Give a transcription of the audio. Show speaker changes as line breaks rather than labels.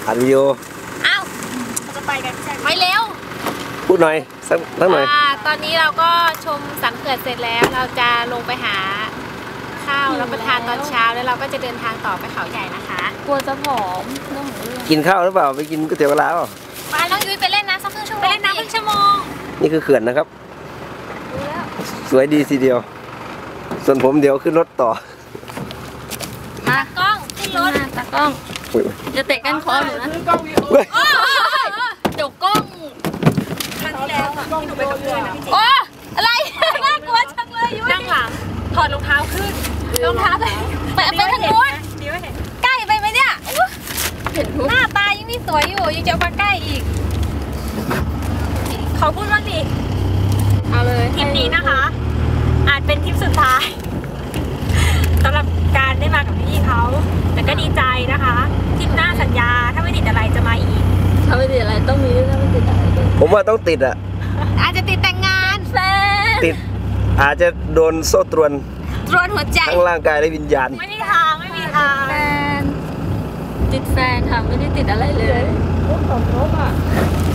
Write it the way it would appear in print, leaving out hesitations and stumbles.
อัดวิดีโอ
อ้าวจะไปกันใช่ไหมไปเร็ว
พูดหน่อยสักหน่อย
ตอนนี้เราก็ชมสันเขื่อนเสร็จแล้วเราจะลงไปหาข้าวรับประทานตอนเช้าแล้วเราก็จะเดินทางต่อไปเขาใหญ่นะคะ
กลัวจะผอม
กินข้าวหรือเปล่าไปกินก๋วยเตี๋ยวปลาเปล่า
มาน้องยุ้ยไปเล่นน้ำสักครึ่งชั่วโมงไปเล่นน้ำครึ่งชั่วโมง
นี่คือเขื่อนนะครับสวยดีทีเดียวส่วนผมเดี๋ยวขึ้นรถต่อ
ตากล้องขึ้นรถ
ตากล้องจะเตะกันคอหนูนะเดี๋ยวกล้อง
ครั้งที่แล้วอ่ะที่หนูไปกับเพื่อนนะพี่จิ๋วอะไรน่ากลัวจังเลยยุ้ยนั่งหลังถอดรองเท้าขึ้นรองเท้าไปทางนู้นใกล้ไปไหมเนี่ยหน้าตายังนี่สวยอยู่ยังจะมาใกล้อีกขอพูดบ้างดิ
เอาเลย
ทริปนี้นะคะอาจเป็นทริปสุดท้ายสำหรับการได้มากับพี่เขาแต่ก็ดีใจนะคะทริปหน้าสัญญาถ้าไม่ติดอะไรจะมาอีก
ถ้าไม่ติดอะไรต้องมีถ้าไม่ติดอะไร
ผมว่าต้องติดอ่ะ
อาจจะติดแต่งงานแฟน
ติดอาจจะโดนโซ่ตรวน
หัวใจ
ทั้งร่างกายและวิญญาณ
ไม่มีทาง
แฟนติดแฟนค่ะไม่ได้ติดอะไรเลยรถอ่ะ